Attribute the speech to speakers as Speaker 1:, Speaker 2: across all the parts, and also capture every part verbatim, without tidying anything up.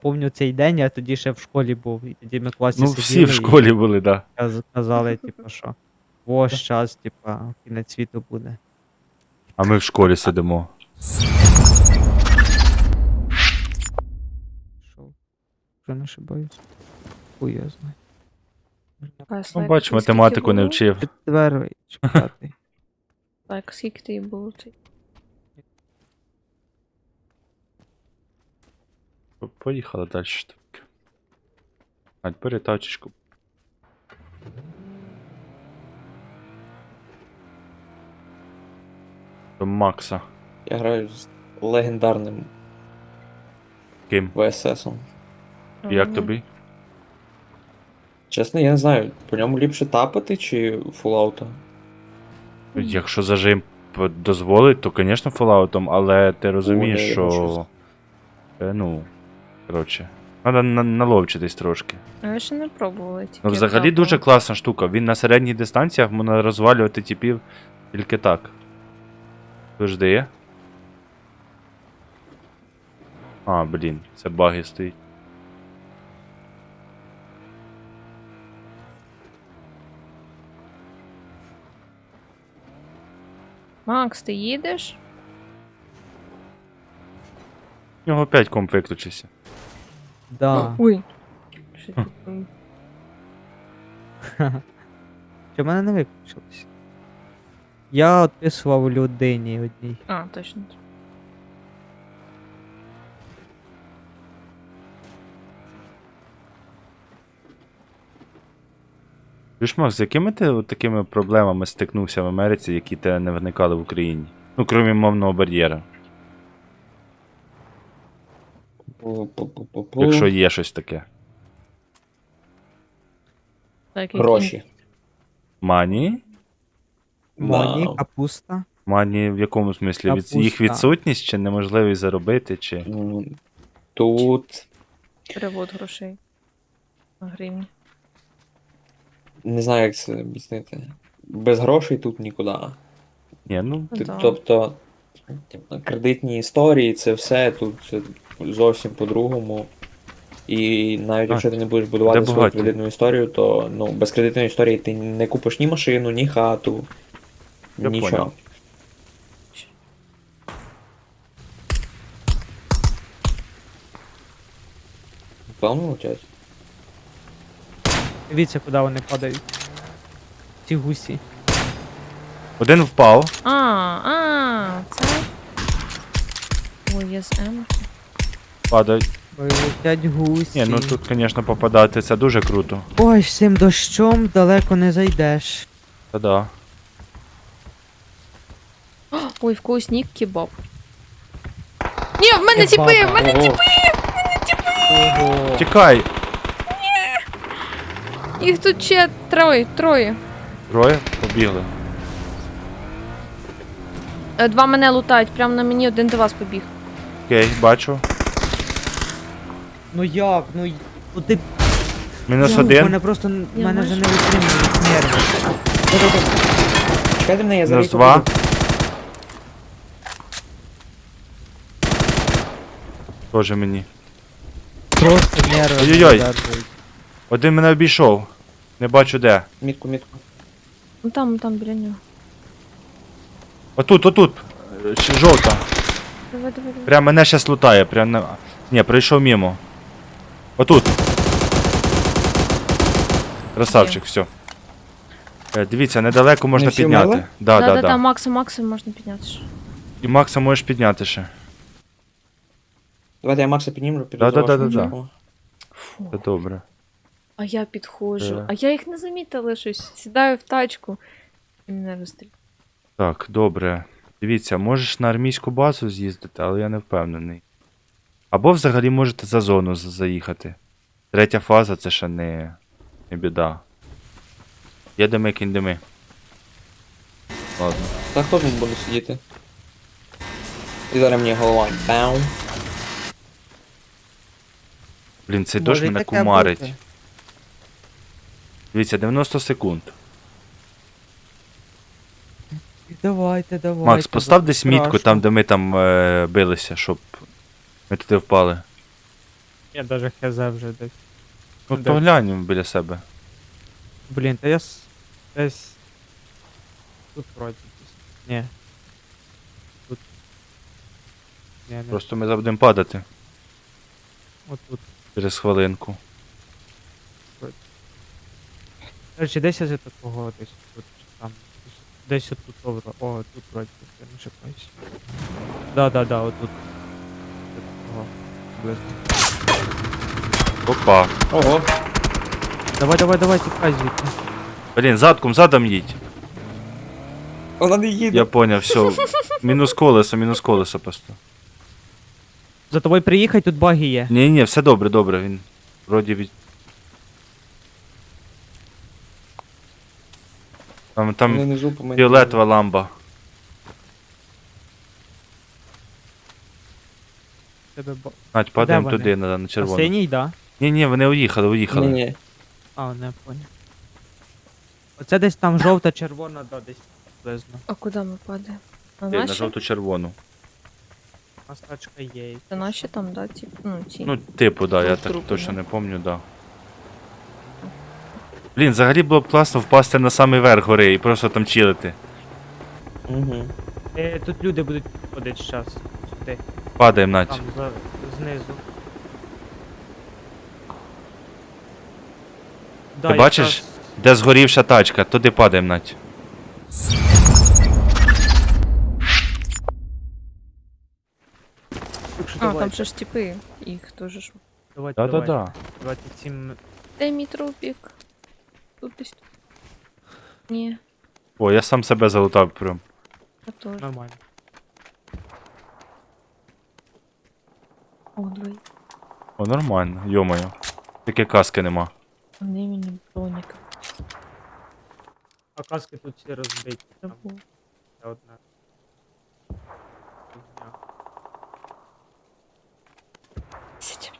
Speaker 1: помню цей день, я тоді ще в школі був, і тоді ми в класі
Speaker 2: Ну,
Speaker 1: сиділи
Speaker 2: всі в школі були, да.
Speaker 1: і каз- казали, типу, що ось час, типа, кінець світу буде.
Speaker 2: А ми в школі сидимо.
Speaker 1: Що? Вже не ошибаюсь. Хуй я знаю.
Speaker 2: Ну, бач, математику не вчив.
Speaker 1: Четвертий чи п'ятий.
Speaker 3: Так, скільки тобі було?
Speaker 2: Поїхали далі. Так. Ать, бери тачечку. До Макса.
Speaker 4: Я граю з легендарним
Speaker 2: Ким?
Speaker 4: ВССом.
Speaker 2: Як тобі?
Speaker 4: Чесно, я не знаю, по ньому ліпше тапати чи Fallout?
Speaker 2: Якщо зажим п- дозволить, то, звісно, фоллаутом, але ти розумієш,
Speaker 4: О, я
Speaker 2: що.
Speaker 4: бачу.
Speaker 2: Е, ну. Коротше. Треба на- наловчитись трошки.
Speaker 3: А я ще не пробувала тільки.
Speaker 2: Ну, взагалі
Speaker 3: тапала.
Speaker 2: дуже класна штука. Він на середніх дистанціях можна розвалювати типів тільки так. Завжди. А, блін, це баги стоїть.
Speaker 3: Макс, ти їдеш?
Speaker 2: У нього опять комп виключився.
Speaker 1: Да.
Speaker 3: Ой. Що ти там?
Speaker 1: Чи в мене не виключилось? Я відписував людині одній.
Speaker 3: А, точно.
Speaker 2: Чуєш, Макс, з якими ти от такими проблемами стикнувся в Америці, які тебе не виникали в Україні? Ну, крім мовного бар'єра.
Speaker 4: Пу-пу-пу-пу-пу.
Speaker 2: Якщо є щось таке.
Speaker 3: Так, які-
Speaker 4: Гроші.
Speaker 2: Мані?
Speaker 1: Моні,
Speaker 4: Да.
Speaker 1: капуста.
Speaker 2: Мані в якому смислі? Від... Їх
Speaker 1: Капуста.
Speaker 2: відсутність чи неможливість заробити, чи.
Speaker 4: М, Тут
Speaker 3: Перевод грошей. На гривні.
Speaker 4: не знаю, як це об'яснити. Без грошей тут нікуди.
Speaker 2: Ні, ну.
Speaker 4: Ти-
Speaker 3: Да.
Speaker 4: Тобто типу, кредитні історії, це все тут це зовсім по-другому. І навіть
Speaker 2: Так.
Speaker 4: якщо ти не будеш будувати
Speaker 2: Де
Speaker 4: свою
Speaker 2: багаті?
Speaker 4: кредитну історію, то ну, без кредитної історії ти не купиш ні машину, ні хату,
Speaker 2: Я
Speaker 4: нічого.
Speaker 2: понял.
Speaker 4: Певно летять?
Speaker 1: Дивіться, куди вони падають. Ці гусі.
Speaker 2: Один впав.
Speaker 3: А, а, це. Ой, я з М.
Speaker 2: Падають.
Speaker 1: Ой, летять гусі.
Speaker 2: Ні, ну тут, звісно, попадати це дуже круто.
Speaker 1: Ой, з цим дощом далеко не зайдеш.
Speaker 2: Та-да.
Speaker 3: Ой, в когось нік кебаб. Ні, в мене
Speaker 1: Кебаба.
Speaker 3: тіпи, в мене
Speaker 4: Ого.
Speaker 1: Ого.
Speaker 2: Тікай!
Speaker 3: їх тут ще троє, троє.
Speaker 2: Троє? Побігли.
Speaker 3: Е, Два мене лутають, прямо на мені один до вас побіг.
Speaker 2: Окей, бачу.
Speaker 1: Ну як? Ну, й- ну ти...
Speaker 2: Мінус
Speaker 1: Ну,
Speaker 2: один.
Speaker 1: Мене просто...
Speaker 3: Я
Speaker 1: Мене вже
Speaker 3: бачу.
Speaker 1: не витримують нерви.
Speaker 4: Чекайте мене, я зараз.
Speaker 2: Мінус два. Тоже мені.
Speaker 1: Просто нерви не
Speaker 2: Ой-ой-ой.
Speaker 1: видержують.
Speaker 2: Один мене обійшов. Не бачу де.
Speaker 4: Мітку, мітку.
Speaker 3: Ну там, там біля нього.
Speaker 2: Отут, отут. Е, ще Жовта.
Speaker 3: Давай, давай, давай.
Speaker 2: Прям мене щас лутає. Прям на. Ні, пройшов мимо. Отут. Красавчик, все. Дивіться, недалеко можна
Speaker 4: всі
Speaker 2: підняти.
Speaker 4: вмерли?
Speaker 2: Да, да,
Speaker 3: да,
Speaker 2: да.
Speaker 3: Макса, Макса можна підняти. ще.
Speaker 2: І Макса можеш підняти ще.
Speaker 4: Давайте я Макса піднімлю, піду
Speaker 2: Да,
Speaker 4: за
Speaker 2: да, да,
Speaker 4: вашим
Speaker 2: да, да.
Speaker 4: чеком.
Speaker 3: Фу.
Speaker 2: Це добре.
Speaker 3: А я підходжу.
Speaker 2: Е.
Speaker 3: А я їх не замітила щось. Сідаю в тачку. І мене розстрілюють.
Speaker 2: Так, добре. Дивіться, можеш на армійську базу з'їздити, але я не впевнений. Або взагалі можете за зону з- заїхати. Третя фаза це ще не, не біда. Їдемо кіндеми. Ладно.
Speaker 4: Та хто тут буде сидіти? І зараз мені голова. Бау.
Speaker 2: Блін, цей
Speaker 1: Може
Speaker 2: дощ
Speaker 1: й
Speaker 2: мене
Speaker 1: таке
Speaker 2: кумарить.
Speaker 1: бути.
Speaker 2: Дивіться, дев'яносто секунд.
Speaker 1: Давайте, давайте.
Speaker 2: Макс, постав
Speaker 1: бо
Speaker 2: десь мітку
Speaker 1: страшно.
Speaker 2: там, де ми там е, билися, щоб ми туди впали.
Speaker 1: Я даже хз вже десь.
Speaker 2: Ну
Speaker 1: Де?
Speaker 2: то глянь біля себе.
Speaker 1: Блін, та я с... десь... Тут вроді десь. Ні. Тут. Ні, не.
Speaker 2: Просто ми будемо падати
Speaker 1: Отут.
Speaker 2: через хвилинку.
Speaker 1: Короче, десь я за такого десь тут чи там. Десь десь отут over. О, тут вроді, я не шукаюсь. Да, да, да, отут. До такого. Близько.
Speaker 2: Опа.
Speaker 4: Ого.
Speaker 1: Давай, давай, давай, тікай звідти.
Speaker 2: Блін, задком, задом їдь.
Speaker 4: Вона не їде.
Speaker 2: Я поняв, все. Мінус колесо, мінус колесо просто.
Speaker 1: За тобою приїхай, тут баги є.
Speaker 2: Ні, ні, все добре, добре. Він вроді від. Там,
Speaker 4: Вони
Speaker 2: там
Speaker 4: внизу по мені.
Speaker 2: фіолетова ламба.
Speaker 1: Тебе ба...
Speaker 2: Надь, падаємо
Speaker 1: вони?
Speaker 2: туди, на, на
Speaker 1: А
Speaker 2: червону.
Speaker 1: синій, да?
Speaker 2: Ні, ні, вони уїхали, уїхали.
Speaker 4: Ні, ні.
Speaker 1: А, не понял. Оце десь там жовта, червона, да, десь приблизно.
Speaker 3: А куди ми падаємо? На
Speaker 2: Ти, на
Speaker 3: наші?
Speaker 2: жовто-червону.
Speaker 1: У нас тачка є.
Speaker 3: Це наші там, да, ті, ну, ті.
Speaker 2: Ну, типу, да, я
Speaker 3: Тут
Speaker 2: так
Speaker 3: трупи,
Speaker 2: точно
Speaker 3: да.
Speaker 2: не пам'ятаю, да. Блін, взагалі було б класно впасти на самий верх гори і просто там чилити.
Speaker 4: Угу.
Speaker 1: Е, тут люди будуть ходити зараз. Сюди.
Speaker 2: Падаємо, Надь.
Speaker 1: Там, за, знизу. Да,
Speaker 2: Ти бачиш?
Speaker 1: якраз-
Speaker 2: Де згорівша тачка, туди падаємо, Надь.
Speaker 1: Так що
Speaker 3: А,
Speaker 1: давай,
Speaker 3: там ще ж типи. Їх теж ж.
Speaker 1: давайте, давайте.
Speaker 2: Да-да-да.
Speaker 1: Давайте всім...
Speaker 3: Де мій трупік? Тут десь. тут. Ні,
Speaker 2: О, я сам себе залутав прям.
Speaker 3: я теж.
Speaker 1: Нормально.
Speaker 3: О, двоє.
Speaker 2: О, нормально, йомаю. Тільки каски нема.
Speaker 3: Вони мені броніка.
Speaker 1: А каски тут всі розбиті. Там
Speaker 3: Забув.
Speaker 1: ще одна. Фігня.
Speaker 3: Сидім.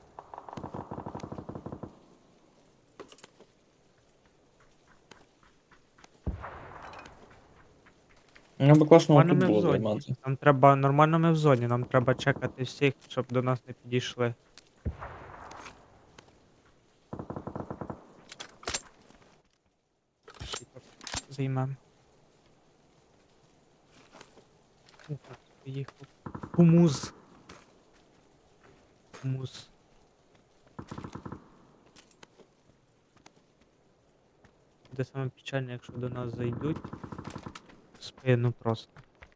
Speaker 4: Ну, би класно
Speaker 1: Нормально
Speaker 4: тут
Speaker 1: ми в
Speaker 4: було
Speaker 1: зоні.
Speaker 4: займати.
Speaker 1: Нам треба, нормально ми в зоні, нам треба чекати всіх, щоб до нас не підійшли. Займем. Поїхав. Хумус. Хумус. Буде саме печальне, якщо до нас зайдуть. В спину просто.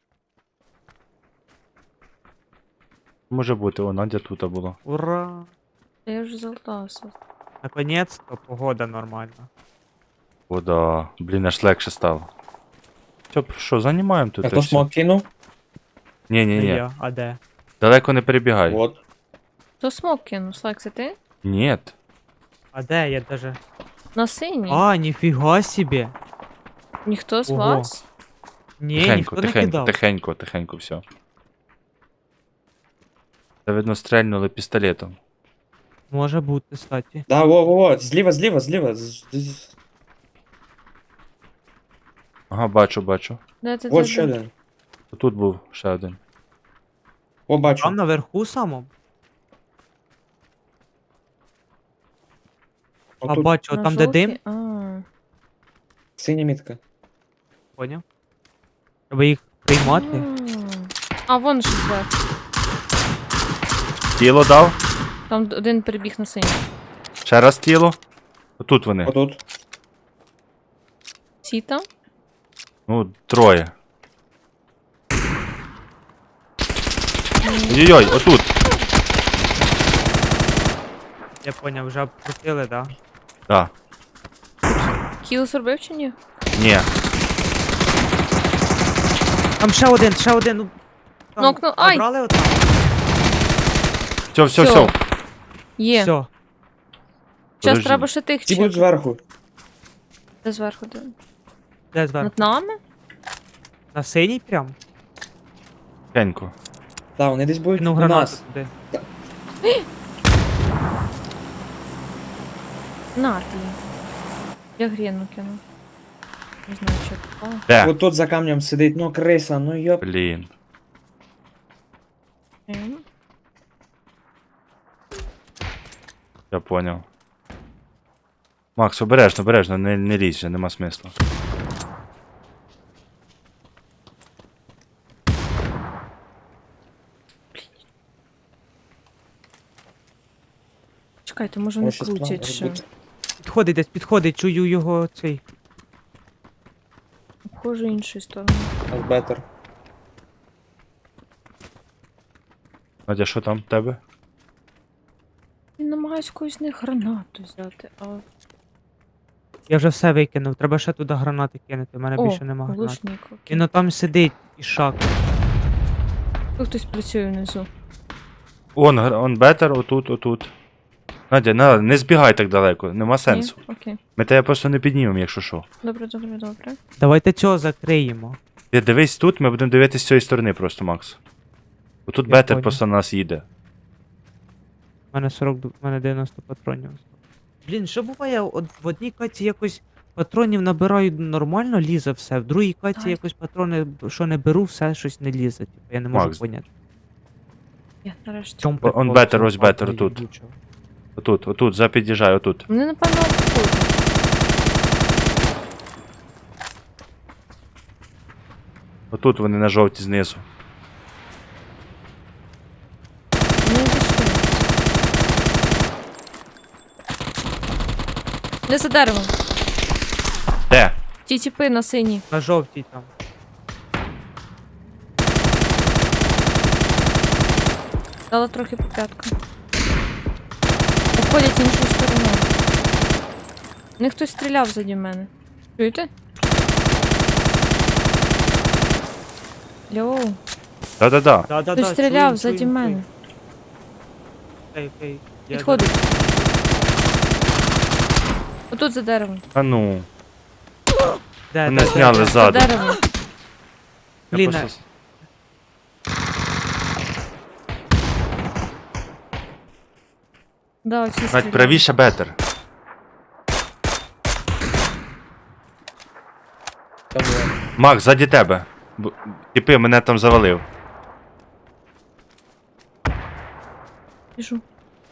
Speaker 2: Може бути, о, Надя тут була.
Speaker 1: Ура!
Speaker 3: Та я вже залутався.
Speaker 1: Наконец-то погода нормальна.
Speaker 2: О, да. Блін, аж легше стало. Все, що, займаємо тут.
Speaker 4: А
Speaker 2: і
Speaker 4: хто
Speaker 2: все.
Speaker 4: смок кинув?
Speaker 2: Ні, ні,
Speaker 1: Не
Speaker 2: ні.
Speaker 1: я, а де?
Speaker 2: Далеко не перебігай.
Speaker 4: От.
Speaker 3: То смок кинув, Слайк, це ти?
Speaker 2: Ні.
Speaker 1: А де? Я даже...
Speaker 3: На синій?
Speaker 1: А, ніфіга собі!
Speaker 3: Ніхто з
Speaker 1: Ого.
Speaker 3: вас?
Speaker 1: Ні,
Speaker 2: Тихенько,
Speaker 1: ніхто не
Speaker 2: тихенько,
Speaker 1: кидав.
Speaker 2: тихенько, тихенько, все. Це видно стрельнули пістолетом.
Speaker 1: Може бути, кстати.
Speaker 4: Да, во, во, во, зліва, зліва, зліва. з- з-
Speaker 2: Ага, бачу, бачу.
Speaker 3: Де це
Speaker 4: Вот
Speaker 3: це,
Speaker 4: ще
Speaker 3: де?
Speaker 4: один.
Speaker 2: Тут був ще один.
Speaker 4: О, бачу.
Speaker 1: Там наверху самому? А
Speaker 4: Отут
Speaker 1: бачу,
Speaker 3: На
Speaker 1: там де дим,
Speaker 3: жовтій? А.
Speaker 4: синя мітка.
Speaker 1: поняв? Треба їх приймати.
Speaker 3: М. А, вон ще зверху.
Speaker 2: Тіло дав?
Speaker 3: Там д- один перебіг на синій.
Speaker 2: Ще раз тіло. Отут вони.
Speaker 4: Отут.
Speaker 3: Ці там?
Speaker 2: Ну, троє. Ой-ой-ой, отут.
Speaker 1: Я поняв, вже обкрутили, да?
Speaker 2: Да.
Speaker 3: Кіл зробив чи ні?
Speaker 2: Ні.
Speaker 1: Там ще один, ще один. Ну, там
Speaker 3: Нокнув. Ай!
Speaker 1: забрали отам?
Speaker 2: Все, все,
Speaker 3: Всьо.
Speaker 2: все.
Speaker 3: Є.
Speaker 1: Все.
Speaker 3: Зараз
Speaker 2: Подожди.
Speaker 3: треба ще тих
Speaker 4: Ці будуть
Speaker 3: чек.
Speaker 4: зверху.
Speaker 3: Де зверху? Де?
Speaker 1: Де зверху?
Speaker 3: Над нами?
Speaker 1: На синій прям?
Speaker 2: Тихенько.
Speaker 4: Так, вони десь будуть
Speaker 1: Ну,
Speaker 4: у
Speaker 1: гранату
Speaker 4: нас.
Speaker 1: туди.
Speaker 3: На ти. Я гріну кину. Не знаю, чи попала.
Speaker 2: Де?
Speaker 4: От тут за камнем сидить, ну криса, ну йоп.
Speaker 2: Блін.
Speaker 3: Ем.
Speaker 2: Я поняв. Макс, обережно, обережно, не, не лізь вже, нема смислу.
Speaker 3: Чекайте, може вони
Speaker 4: Може, щось
Speaker 3: крутять
Speaker 4: план
Speaker 3: ще.
Speaker 4: робити?
Speaker 1: Підходить десь, підходить, чую його цей.
Speaker 3: Обхожу іншою стороною.
Speaker 4: Бетер.
Speaker 2: Надя, що там в тебе?
Speaker 3: Він намагається когось з них гранату взяти, а...
Speaker 1: Я вже все викинув, треба ще туди гранати кинути, в мене
Speaker 3: О,
Speaker 1: більше нема гранат.
Speaker 3: глушник, окей.
Speaker 1: Він там сидить і шак.
Speaker 3: Тут хтось працює внизу.
Speaker 2: Он, гр- он бетер, отут, отут. Надя, не, не збігай так далеко, нема сенсу.
Speaker 3: Ні? Окей.
Speaker 2: Ми тебе просто не піднімемо, якщо що.
Speaker 3: Добре, добре, добре.
Speaker 1: Давайте цього закриємо.
Speaker 2: Ти дивись тут, ми будемо дивитися з цієї сторони просто, Макс. Отут
Speaker 1: Я
Speaker 2: бетер
Speaker 1: понял.
Speaker 2: просто на нас їде.
Speaker 1: У мене сорок, ду- у мене дев'яносто патронів. Блін, що буває, от в одній каті якось патронів набираю нормально, лізе все, в другій каті
Speaker 3: Ай.
Speaker 1: якось патрони, що не беру, все щось не лізе. Типу, я не можу
Speaker 2: Макс.
Speaker 1: поняти.
Speaker 3: Я нарешті.
Speaker 1: В чому
Speaker 2: О, он
Speaker 1: прикол
Speaker 2: бетер,
Speaker 1: цього
Speaker 2: ось бетер,
Speaker 1: патрону
Speaker 2: тут.
Speaker 1: їбучого?
Speaker 2: Отут, отут, запід'їжджай, отут.
Speaker 3: Вони, напевно, обходять.
Speaker 2: Отут вони на жовті знизу.
Speaker 3: Вони зайшли. Не за деревом.
Speaker 2: Де?
Speaker 3: Ті тіпи на синій.
Speaker 1: На жовтій там.
Speaker 3: Дала трохи по п'яткам. Обходять іншу сторону. В них хтось стріляв заді мене. Чуєте? Йоу.
Speaker 2: Да-да-да.
Speaker 1: Да, да,
Speaker 3: Хтось
Speaker 1: да,
Speaker 3: стріляв
Speaker 1: чую,
Speaker 3: заді
Speaker 1: чую,
Speaker 3: мене.
Speaker 1: Окей, окей. Я
Speaker 3: Підходить. Отут за деревом.
Speaker 2: А ну.
Speaker 1: за- Де,
Speaker 2: Мене
Speaker 1: де, де,
Speaker 2: зняли
Speaker 1: де?
Speaker 3: За
Speaker 2: ззаду.
Speaker 3: деревом.
Speaker 2: Я
Speaker 1: Блін,
Speaker 2: просто-
Speaker 3: Да, оці
Speaker 2: Надь,
Speaker 3: стріляли.
Speaker 2: правіше бетер.
Speaker 4: Там є.
Speaker 2: Макс, ззаді тебе. Б- Тіпи, мене там завалив.
Speaker 3: Біжу.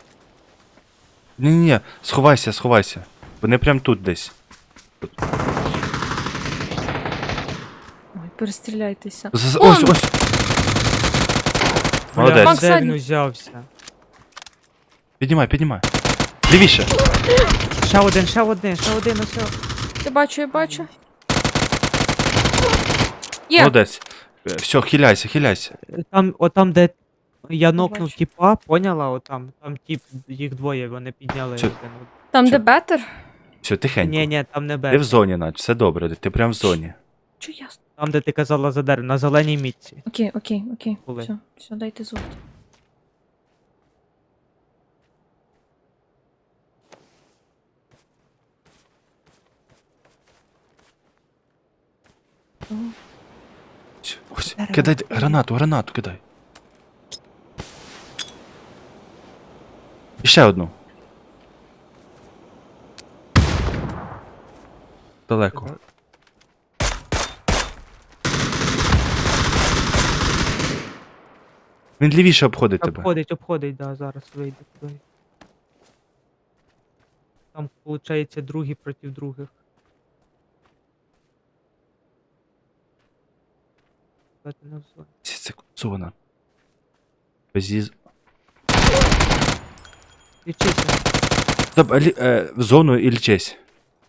Speaker 2: Ні-ні, сховайся, сховайся. Вони прям тут десь.
Speaker 3: Ой, перестріляйтеся.
Speaker 2: З- з-
Speaker 3: Он!
Speaker 2: Ось, ось.
Speaker 1: Бля,
Speaker 2: Молодець.
Speaker 3: Макс,
Speaker 1: де
Speaker 3: ззаді.
Speaker 1: він взявся?
Speaker 2: Піднімай, піднімай. Лівіше.
Speaker 1: Ще один, ще один, ще один, ось. о.
Speaker 3: Я бачу, я бачу. Є!
Speaker 2: Молодець. Все, хиляйся, хиляйся.
Speaker 1: Там, отам, де я нокнув
Speaker 3: бачу.
Speaker 1: тіпа, поняла? Отам, там тіп, їх двоє, вони підняли
Speaker 2: Це-
Speaker 1: один.
Speaker 3: Там,
Speaker 2: Що?
Speaker 3: де бетер?
Speaker 2: Все, тихенько.
Speaker 1: Ні, ні, там не
Speaker 2: Ти в
Speaker 1: бе.
Speaker 2: зоні, Надь, все добре, ти прям в зоні.
Speaker 3: Чо ясно?
Speaker 1: Там, де ти казала за дерево, на зеленій мітці.
Speaker 3: Окей, окей, окей.
Speaker 1: Були.
Speaker 3: Все, все, дайте звук. О,
Speaker 2: Всьо, ось,
Speaker 1: Дерево.
Speaker 2: кидай гранату, гранату кидай. І ще одну. Далеко. Він лівіше обходить тебе.
Speaker 1: Обходить, обходить, да, зараз вийде туди. Там, виходить, другі проти других. Кстати, не в зоні.
Speaker 2: Це це зона. Без їз...
Speaker 1: Лічися.
Speaker 2: Стоп, а лі... е, в зону і лічись.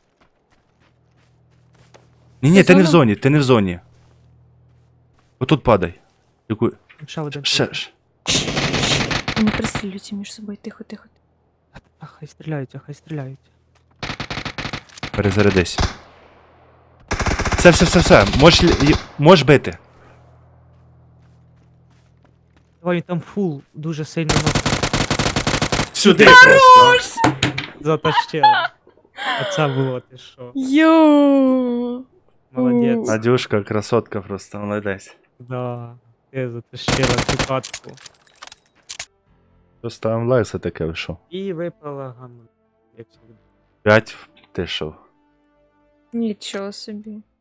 Speaker 2: Ні, ні,
Speaker 3: Ти
Speaker 2: ти не в
Speaker 3: зона?
Speaker 2: зоні, ти не в зоні. Отут падай. Яку...
Speaker 1: Там ще один.
Speaker 2: Ще, ще.
Speaker 3: вони пристрілюються між собою. Тихо, тихо.
Speaker 1: А, хай стріляються, хай стріляються.
Speaker 2: Перезарядись. Все, все, все, все. Можеш, лі- й- можеш бити.
Speaker 1: Давай, він там фул, дуже сильно нокнув.
Speaker 2: Сюди просто.
Speaker 1: Затащила. Оце було, ти що.
Speaker 3: Йоу!
Speaker 1: Молодець.
Speaker 2: Надюшка, красотка просто, молодець.
Speaker 1: Да. Ти затащила цю катку.
Speaker 2: Що ставим лайк за таке, ви що?
Speaker 1: І випала гамма. Як завжди.
Speaker 2: П'ять, ти що?
Speaker 3: Нічого собі.